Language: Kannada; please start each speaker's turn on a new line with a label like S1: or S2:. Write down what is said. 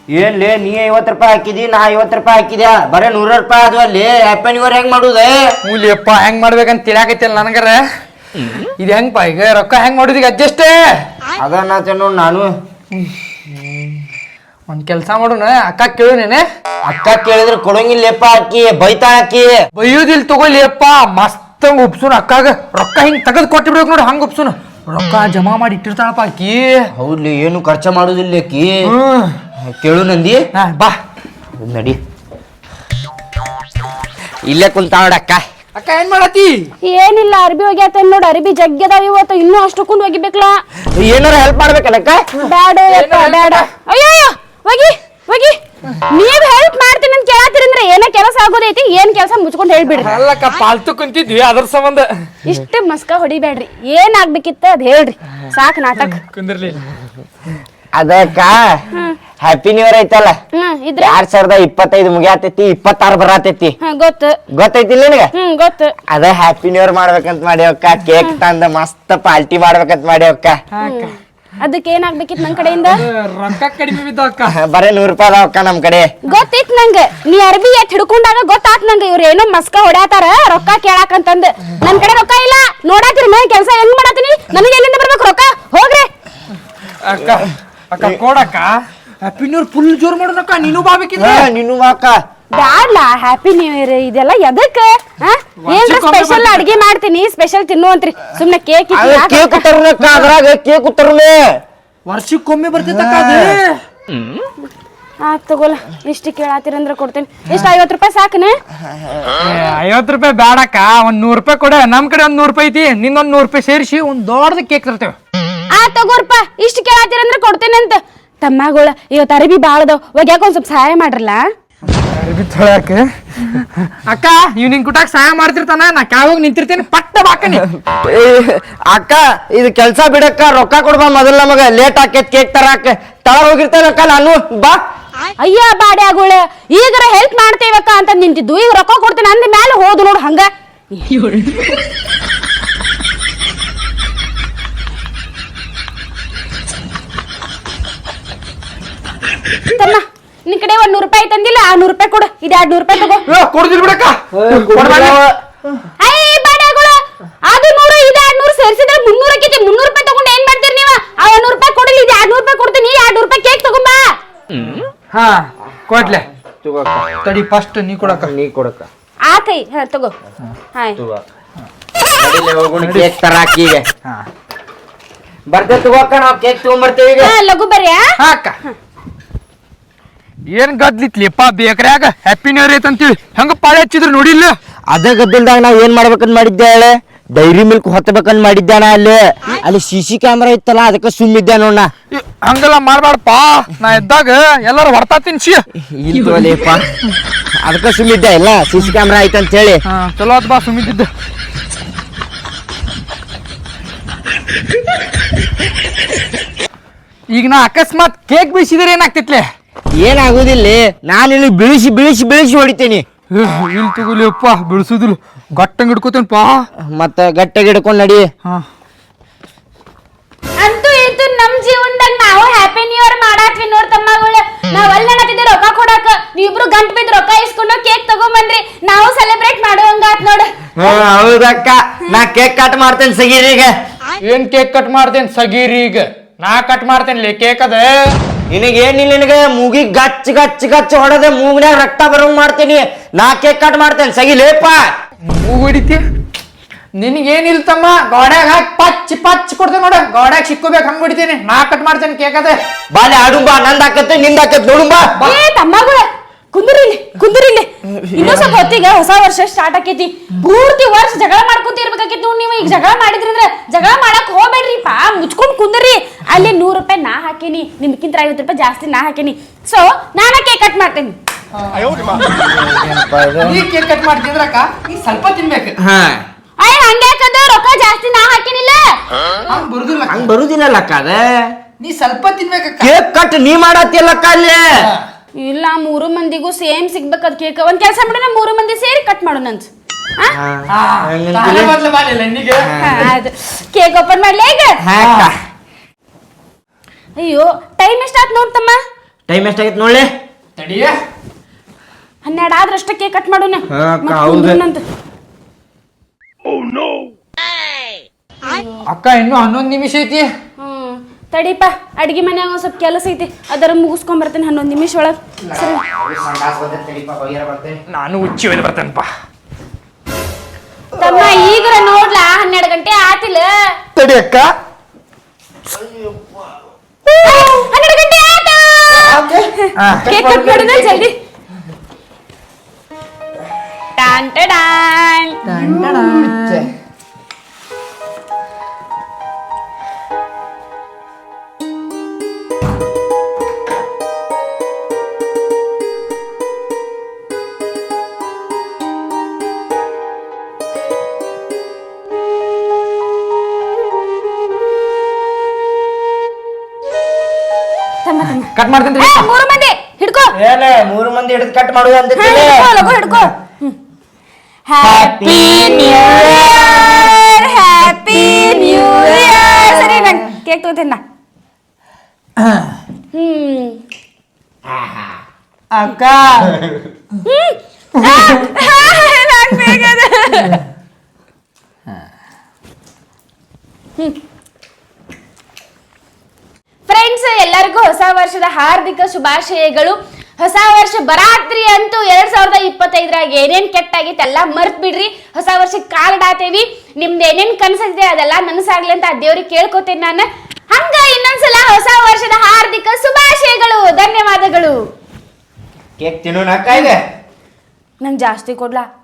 S1: ಏನ್ಲೇ ನೀ 50 ರೂಪಾಯಿ ಹಾಕಿದಿ, ನಾ 50 ರೂಪಾಯಿ ಹಾಕಿದ್ಯಾ, ಬರೇ 100 ರೂಪಾಯಿ ಅದು ಅಲ್ಲಿ. ಹ್ಯಾಪಿ ನ್ಯೂ ಇಯರ್ ಹೆಂಗ್ ಮಾಡುದ?
S2: ಮೂಲಿಯಪ್ಪ ಹೆಂಗ್ ಮಾಡ್ಬೇಕಂತ ತಿಳಿಯಾಕೈತಿಲ್ಲ ನನಗರ. ಇದು ಹೆಂಗಪ್ಪ ಈಗ ರೊಕ್ಕ ಹೆಂಗ್ ಮಾಡುದ ಈಗ ಅಡ್ಜಸ್ಟ್?
S1: ಅದನ್ನ ನೋಡ್ ನಾನು
S2: ಒಂದ್ ಕೆಲ್ಸ ಮಾಡೋಣ, ಅಕ್ಕ ಕೇಳುನೇನೆ.
S1: ಅಕ್ಕ ಕೇಳಿದ್ರೆ ಕೊಡಂಗಿಲ್ಲಪ್ಪ, ಅಕ್ಕಿ ಬೈತಾ ಹಾಕಿ.
S2: ಬೈಯೋದಿಲ್ ತಗೊಳ್ಳಿಯಪ್ಪ, ಮಸ್ತ್ ಒಪ್ಸುನು ಅಕ್ಕಾಗ. ರೊಕ್ಕ ಹಿಂಗ್ ತೆಗೆದು ಕೊಟ್ಟಿಬಿಡ್ಬೇಕು ನೋಡಿ, ಹಂಗ ಒಪ್ಸುನು. ರೊಕ್ಕ ಜಮಾ ಮಾಡಿ ಇಟ್ಟಿರ್ತಾಳಪ್ಪ ಅಕ್ಕಿ.
S1: ಹೌದ್ಲಿ, ಏನು ಖರ್ಚ ಮಾಡುದಿಲ್ಲ ಅಕ್ಕಿ. ಕೇಳು ನಂದಿ.
S2: ಬಾ
S1: ನಡಿ, ಇಲ್ಲೇ ಕುಂತ ನೋಡಕ್ಕ.
S2: ಅಕ್ಕ ಏನ್ ಮಾಡತಿ?
S3: ಏನಿಲ್ಲ, ಅರ್ಬಿ ಒಗ್ಯಾತ ನೋಡ್. ಅರ್ಬಿ ಜಗ್ಗದಾವ ಇವತ್ತು, ಇನ್ನೂ ಅಷ್ಟಕ್ಕೊಂಡ್ ಒಗಿಬೇಕಲ್ಲ.
S1: ಏನಾರ ಹೆಲ್ಪ್ ಮಾಡ್ಬೇಕಲ್ಲಕ್ಕ?
S3: ಬ್ಯಾಡ ಬ್ಯಾಡ. ಅಯ್ಯೋ ಒಗಿ ಒಗಿ. ನೀವ್ ಹೆಲ್ಪ್ ಮಾಡ್ತೀನಿ ಅಂತ ಕೇಳತ್ತೀರಂದ್ರೆ ಏನ ಕೆಲಸ ಆಗೋದೈತಿ, ಏನ್ ಕೆಲಸ ಮುಚ್ಕೊಂಡ್ ಹೇಳ್ಬಿಡ್ರಿ.
S2: ಅಲ್ಲಕ್ಕ ಪಾಲ್ತು ಕುಂತಿದ್ವಿ ಅದ್ರ ಸಂಬಂಧ.
S3: ಇಷ್ಟ ಮಸ್ಕ ಹೊಡಿಬೇಡ್ರಿ, ಏನ್ ಆಗ್ಬೇಕಿತ್ತ ಅದ್ ಹೇಳ್ರಿ, ಸಾಕ್ ನಾಟಕ.
S2: ಕುಂದಿರ್ಲಿ.
S1: ಅದಕ್ಕ ಹ್ಯಾಪಿ ನ್ಯೂ ಇಯರ್ ಐತಲ್ಲ,
S3: ಇದ್ರೆ
S1: 2025 ಮುಗಿಯಾತೈತಿ, 26 ಬರಾತೈತಿ.
S3: ಗೊತ್ತು
S1: ಗೊತ್ತೈತಿಲ್ಲ ನಿನಗ?
S3: ಗೊತ್ತು.
S1: ಅದ ಹ್ಯಾಪಿ ನ್ಯೂ ಇಯರ್ ಮಾಡ್ಬೇಕಂತ ಮಾಡ್ಯವಕ್ಕ. ಕೇಕ್ ತಂದ ಮಸ್ತ್ ಪಾರ್ಟಿ ಮಾಡ್ಬೇಕಂತ ಮಾಡ್ಯವಕ್ಕ.
S3: ಅದಕ್ಕೆ ಏನಾಗ್ಬೇಕಿತ್ತು ನನ್ ಕಡೆಯಿಂದ?
S2: ರೊಕ್ಕ ಕಡಿಮೆ ಬಿದ್ದಕ್ಕ.
S1: ಬರೇ 100 ರೂಪಾಯಿ ಅದಾವಕ್ಕ ನಮ್ ಕಡೆ.
S3: ಗೊತ್ತಿತ್ತು ನಂಗ, ನೀ ಅರ್ಬಿ ಎಟ್ ಹಿಡ್ಕೊಂಡಾಗ ಗೊತ್ತಾತ್ ನಂಗ, ಇವ್ರ ಏನೋ ಮಸ್ಕ ಹೊಡ್ಯಾತಾರ ರೊಕ್ಕ ಕೇಳಾಕಂತಂದ್. ನನ್ ಕಡೆ ರೊಕ್ಕ ಇಲ್ಲ, ನೋಡಾತಿರಿ ನನ್ ಕೆಲ್ಸ ಹೆಂಗ್ ಮಾಡಾತೀನಿ, ನನಗೆ ಎಲ್ಲಿಂದ ಬರ್ಬೇಕು ರೊಕ್ಕ? ಹೋಗ್ರಿ
S2: ಅಕ್ಕ. ಅಕ್ಕ ಕೊಡಕ್ಕ. ಹ್ಯಾಪಿ ನ್ಯೂ ಇಯರ್ ಫುಲ್ ಜೋರ್ ಮಾಡೋಣಕ್ಕ. ನೀನು ಬಾಬೇಕಿದ್ರೆ
S1: ನೀನು ಅಕ್ಕ.
S3: ಬ್ಯಾಡ್ಲ, ಹ್ಯಾಪಿ ನ್ಯೂ ಇಯರ್ ಇದೆಲ್ಲ ಎದಕ್ಕ? ಏನ್ರ ಸ್ಪೆಷಲ್ ಅಡ್ಗೆ ಮಾಡ್ತೀನಿ, ಸ್ಪೆಷಲ್ ತಿನ್ನುವಂತ್ರಿ. ಸುಮ್ನೆ ಕೇಕ್
S1: ಕೇಕ್ ತರುನಕ್ಕ, ಅದ್ರಾಗ ಕೇಕ್ ತರುನೆ.
S2: ವರ್ಷಕ್ಕೊಮ್ಮೆ ಬರ್ತೈತಕ್ಕ ಅದು.
S3: ತಗೋಲ್ಲ, ಇಷ್ಟು ಕೇಳಾತಿರಂದ್ರ ಕೊಡ್ತೇನೆ. ಎಷ್ಟು 50 ರೂಪಾಯಿ ಸಾಕನ?
S2: 50 ರೂಪಾಯಿ ಬ್ಯಾಡಕ್ಕ, ಒಂದ್ 100 ರೂಪಾಯಿ ಕೊಡ. ನಮ್ ಕಡೆ ಒಂದ್ 100 ರೂಪಾಯಿ ಐತಿ, ನಿಂದೊಂದ್ 100 ರೂಪಾಯಿ ಸೇರಿಸಿ ಒಂದ್ ದೊಡ್ಡದ ಕೇಕ್ ತರ್ತೇವೆ.
S3: ತಗೋರ್ಪ, ಇಷ್ಟು ಕೇಳಾತಿರಂದ್ರ ಕೊಡ್ತೇನೆ ಅಂತ. ತಮ್ಮಗಳ ಇವತ್ತು ಅರಿಬಿ ಬಾಳದವ್, ಒಗ್ಯಾಕ ಒಂದ್ ಸ್ವಲ್ಪ ಸಹಾಯ ಮಾಡ್ರಲ್ಲ.
S2: ಅಕ್ಕ ಇವ್ ನಿನ್ ಕುಟಾಕ್ ಸಹಾಯ ಮಾಡ್ತಿರ್ತಾನ, ನಾ ಕಾವಾಗ ನಿಂತಿರ್ತೇನೆ, ಪಟ್ಟ ಬಾಕನಿ.
S1: ಅಕ್ಕ ಇದು ಕೆಲ್ಸ ಬಿಡಕ್ಕ, ರೊಕ್ಕ ಕೊಡ್ಬಾ ಮೊದಲ್. ನಮಗ ಲೇಟ್ ಆಕೇತ್ ಕೇಕ್ ತರಾಕ. ತಳ ಹೋಗಿರ್ತೇನಕ್ಕ ನಾನು. ಬಾ.
S3: ಅಯ್ಯ ಬಾಡೆ ಆಗೋಳ, ಈಗರ ಹೆಲ್ಪ್ ಮಾಡ್ತೇವಕ್ಕ ಅಂತ ನಿಂತಿದ್ದು, ಈಗ ರೊಕ್ಕ ಕೊಡ್ತೇನೆ ಅಂದ ಮ್ಯಾಲೆ ಹೋದು ನೋಡು ಹಂಗ. ತಮ್ಮ, ನಿನ್ ಕಡೆ ಒಂದ್ 100 ರೂಪಾಯಿ ತಂದಿಲ್ಲ, ಆ 100 ರೂಪಾಯಿ ಕೊಡು. ಇದು 200 ರೂಪಾಯಿ ತಗೋ.
S2: ಕೊಡ್ದಿಲ್ ಬಿಡಕ್ಕ.
S3: ಅಯ್ಯ ಬಾಡೆ ಆಗೋಳ, ಅದು 100 ಇದು 200 ಸೇರಿಸಿದ್ರೆ 300 ಆಕೈತಿ. 300 ರೂಪಾಯಿ ತಗೊಂಡು ಏನ್ ಮಾಡ್ತೀರಿ ನೀವು? ಆ 100 ರೂಪಾಯಿ ಕೊಡಲಿ, ಇದು 200 ರೂಪಾಯಿ ಕೊಡ್ತೀನಿ. 200 ರೂಪಾಯಿ ಕೇಕ್ ತಗೊಂಬಾ.
S2: ಹಾ ಕೊಡ್ಲೆ. ತಡಿ ಫಸ್ಟ್ ನೀ ಕೊಡಕ್ಕ.
S1: ನೀ ಕೊಡಕ್ಕ.
S3: ಆತೈ, ತಗೋ. ಹಾಯ್
S1: ಕೇಕ್ ತರಾಕ ಈಗ ಬರ್ತೇ. ತಗೋಕ್ಕ, ನಾವ್ ಕೇಕ್ ತಗೊಂಡ್ಬರ್ತೇವೆ ಈಗ.
S3: ಲಘು ಬರ್ಯಾ?
S2: ಅಕ್ಕ ಏನ್ ಗದ್ಲಿತ್ಲಿಪ್ಪ ಬೇಕ್ರ್ಯಾಗ ಹ್ಯಾಪಿ ನ್ಯೂ ಇಯರ್ ಐತಂತೇಳಿ ಹೆಂಗ ಪಾಳೆ ಹಚ್ಚಿದ್ರು ನೋಡಿಲ್ಲ?
S1: ಅದೇ ಗದ್ದಲ್ದಾಗ ನಾವ್ ಏನ್ ಮಾಡ್ಬೇಕಂತ ಮಾಡಿದ್ದೆ ಹೇಳ? ಡೈರಿ ಮಿಲ್ಕ್ ಹೊತ್ತಬೇಕಂತ ಮಾಡಿದ್ದಾನ. ಅಲ್ಲಿ CC ಕ್ಯಾಮ್ರಾ ಇತ್ತಲ್ಲ, ಅದಕ್ಕೆ ಸುಮ್ಮಿದ್ದೆ ನೋಡ.
S2: ಹಂಗೆಲ್ಲ ಮಾಡ್ಬಾರ್ದಪ್ಪ, ನಾ ಇದ್ದಾಗ ಎಲ್ಲಾರು ಹೊಡ್ತಾ ತಿನ್ಸಿ.
S1: ಇಲ್ಲೇಪ, ಅದಕ್ಕೆ ಸುಮ್ಮಿದ್ದೆ ಇಲ್ಲ, CC ಕ್ಯಾಮ್ರಾ ಐತಂತ ಹೇಳಿ.
S2: ಚಲೋ ಅದ್ ಬಾ ಸುಮ್ಮಿದ್ದ. ಈಗ ನಾ ಅಕಸ್ಮಾತ್ ಕೇಕ್ ಬೀಸಿದ್ರೆ ಏನಾಗ್ತಿತ್ಲೆ?
S1: ಏನಾಗುದಿಲ್ಲ, ನಾನು ಇಲ್ಲಿ ಬೀಳಿಸಿ ಬೀಳಿಸಿ ಬೀಳಿಸಿ ಹೊಡಿತೀನಿ.
S2: ಇಲ್ಲಿ ತಗೋಲಿಯಪ್ಪ, ಬಿಡಿಸುದಿಲ್ಲ, ಗಟ್ಟಂಗ್ ಹಿಡ್ಕೋತೇನಪ್ಪ.
S1: ಮತ್ತ ಗಟ್ಟೆಗೆ ಹಿಡ್ಕೊಂಡ್ ನಡಿ.
S3: ಅಂತೂ ಇತ್ತು ನಮ್ ಜೀವನದಾಗ ನಾವು ಹ್ಯಾಪಿ ನ್ಯೂ ಇಯರ್ ಮಾಡಾತ್ವಿ ನೋಡ್ ತಮ್ಮಗಳು. ನಾವ್ ಅಲ್ಲಿ ಅನ್ನತಿದ್ದೆ ರೊಕ್ಕ ಕೊಡಾಕ, ನೀವಿಬ್ರು ಗಂಟ್ ಬಿದ್ದು ರೊಕ್ಕ ಇಸ್ಕೊಂಡು ಕೇಕ್ ತಗೊಂಬಂದ್ರಿ. ನಾವು ಸೆಲೆಬ್ರೇಟ್ ಮಾಡುವಂಗಾತ್ ನೋಡ.
S1: ಹೌದಕ್ಕ, ನಾ ಕೇಕ್ ಕಟ್ ಮಾಡ್ತೇನೆ ಸಗೀರಿಗೆ.
S2: ಏನ್ ಕೇಕ್ ಕಟ್ ಮಾಡ್ತೇನೆ ಸಗೀರೀಗ? ನಾ ಕಟ್ ಮಾಡ್ತೇನೆ ಕೇಕ್ ಅದ.
S1: ನಿನಗೇನಿಲ್ಲ, ನಿನಗೆ ಮೂಗಿಗೆ ಗಚ್ ಗಚ್ ಗಚ್ ಹೊಡೆದೆ ಮೂಗ್ನ್ಯಾಗ ರಕ್ತ ಬರೋಂಗ್ ಮಾಡ್ತೀನಿ. ನಾ ಕೇಕ್ ಕಟ್ ಮಾಡ್ತೇನೆ ಸಗಿಲೇಪ.
S2: ಮೂಗು ಹೊಡಿತಿ? ನಿನಗೇನಿಲ್ಲ ತಮ್ಮ, ಗೋಡ್ಯಾಗ ಹಾಕಿ ಪಚ್ ಪಚ್ ಕೊಡ್ತೇನೆ ನೋಡ. ಗೋಡ್ಯಾಗ ಸಿಕ್ಕೋಬೇಕು ಹಂಗ ಹೊಡಿತೀನಿ. ನಾ ಕಟ್ ಮಾಡ್ತೇನೆ ಕೇಕ್ ಅದ.
S1: ಬಾಲೆ ಆಡುಂಬಾ, ನಂದ್ ಹಾಕತ್ತೆ ನಿಂದ ಹಾಕತ್ ನೋಡುಂಬಾ.
S3: ತಮ್ಮಗಳ ಕುಂದ್ರಿಲ್ಲಿ ಕುಂದ್ರಿಲ್ಲಿ. ಇನ್ನೂ ಸ್ವಲ್ಪ ಹೊತ್ತಿಗೆ ಹೊಸ ವರ್ಷ ಸ್ಟಾರ್ಟ್ ಆಕೈತಿ. ಪೂರ್ತಿ ವರ್ಷ ಜಗಳ ಮಾಡ್ಕೊಂತ ಇರ್ಬೇಕಾಗಿತ್ತು ನೀವು. ಈಗ ಜಗಳ ಮಾಡಿದ್ರಂದ್ರ ಜಗಳ ಮಾಡಕ್ ಹೋಗ್ಬೇಡ್ರಿಪ್ಪ, ಮುಚ್ಕೊಂಡ್ ಕುಂದ್ರಿ. ಅಲ್ಲಿ 100 ರೂಪಾಯಿ ನಾ ಹಾಕೇನಿ, ನಿಮ್ಗಿಂತ 50 ರೂಪಾಯಿ ಜಾಸ್ತಿ ನಾ ಹಾಕೇನಿ. ಸೊ ನಾನ ಕೇಕ್ ಕಟ್ ಮಾಡ್ತೇನಿ.
S2: ನೀ ಕೇಕ್ ಕಟ್ ಮಾಡ್ತಿದ್ರಕ್ಕ, ನೀ ಸ್ವಲ್ಪ ತಿನ್ಬೇಕು.
S3: ಅಯ್ಯ ಹಂಗ್ಯಾಕದ, ರೊಕ್ಕ ಜಾಸ್ತಿ ನಾ ಹಾಕೇನಿಲ್ಲ.
S2: ಹಂಗ್ ಬರುದಿಲ್ಲ,
S1: ಹಂಗ್ ಬರುದಿಲ್ಲಕ್ಕ. ಅದ
S2: ನೀ ಸ್ವಲ್ಪ ತಿನ್ಬೇಕಕ್ಕ.
S1: ಕೇಕ್ ಕಟ್ ನೀ ಮಾಡತ್ತಿಲ್ಲಕ್ಕ ಅಲ್ಲಿ.
S3: ಇಲ್ಲ, 3 ಮಂದಿಗೂ ಸೇಮ್ ಸಿಗ್ಬೇಕದ್ ಕೇಕ್. ಒಂದ್ ಕೆಲಸ ಮಾಡೋಣ, 3 ಮಂದಿ ಸೇರಿ ಕಟ್ ಮಾಡೋಣ ಅಂತ. ಕೇಕ್ ಓಪನ್ ಮಾಡ್ಲಿ ಈಗ? ಅಯ್ಯೋ ಟೈಮ್ ಎಷ್ಟಾತ್ ನೋಡ್ತಮ್ಮ?
S1: ಟೈಮ್ ಎಷ್ಟಾಗೈತೆ ನೋಡ್ಲಿ.
S2: ತಡಿಯ
S3: 12 ಆದ್ರಷ್ಟೇ ಕೇಕ್ ಕಟ್ ಮಾಡೋಣ
S1: ಹಾ, ಅಕ್ಕ, ಹೌದು.
S2: ಅಕ್ಕ ಇನ್ನು 11 ನಿಮಿಷ ಐತಿ.
S3: ತಡಿಪ ಅಡ್ಗಿ ಮನ್ಯಾಗ ಒಂದ್ ಸ್ವಲ್ಪ ಕೆಲಸ ಐತಿ ಅದರ ಮುಗಿಸ್ಕೊಂಡ್ ಬರ್ತೇನೆ 11 ನಿಮಿಷ ಒಳಗ್. ಸರಿ
S2: ನಾನು ಉಚ್ಚಿ ಒಯ್ದು ಬರ್ತೇನಪ್ಪ.
S3: ತಮ್ಮ ಈಗ ನೋಡ್ಲಾ 12 ಗಂಟೆ ಆತಿಲ್ಲ.
S2: ತಡಿ ಅಕ್ಕ.
S3: 12 ಗಂಟೆ ಆಯ್ತು. ಕೇಕ್ ಕಟ್ ಮಾಡೋಣ ಜಲ್ದಿ. ಟಾನ್ ಟಾನ್
S2: ಕಟ್ ಮಾಡ್ತೇನೆ.
S3: 3 ಮಂದಿ ಹಿಡ್ಕೋ.
S1: ಏನೇ 3 ಮಂದಿ ಹಿಡಿದು ಕಟ್ ಮಾಡುದು ಅಂತ
S3: ಹಿಡ್ಕೋ. Happy new year, happy new year. ಸರಿ ನಾನು ಕೇಕ್ ತಗೋತೀನಿ.
S2: ಅಕ್ಕ
S3: ಫ್ರೆಂಡ್ಸ್, ಎಲ್ಲರಿಗೂ ಹೊಸ ವರ್ಷದ ಹಾರ್ದಿಕ ಶುಭಾಶಯಗಳು. ಹೊಸ ವರ್ಷ ಬರಾತ್ರಿ ಅಂತೂ 2025ರಾಗ ಏನೇನ್ ಕೆಟ್ಟಾಗಿತ್ತು ಎಲ್ಲ ಮರ್ತ್ ಬಿಡ್ರಿ. ಹೊಸ ವರ್ಷಕ್ಕೆ ಕಾಲ್ಡಾತೇವಿ. ನಿಮ್ದು ಏನೇನ್ ಕನಸಿದೆ ಅದೆಲ್ಲ ನನಸಾಗ್ಲಿ ಅಂತ ಆ ದೇವ್ರಿಗೆ ಕೇಳ್ಕೊತೇನೆ ನಾನು. ಹಂಗ ಇನ್ನೊಂದ್ಸಲ ಹೊಸ ವರ್ಷದ ಹಾರ್ದಿಕ ಶುಭಾಶಯಗಳು, ಧನ್ಯವಾದಗಳು.
S1: ಕೇಕ್ ತಿನ್ನೋಣ ಅಕ್ಕ. ಈಗ
S3: ನಂಗೆ ಜಾಸ್ತಿ ಕೊಡ್ಲಾ?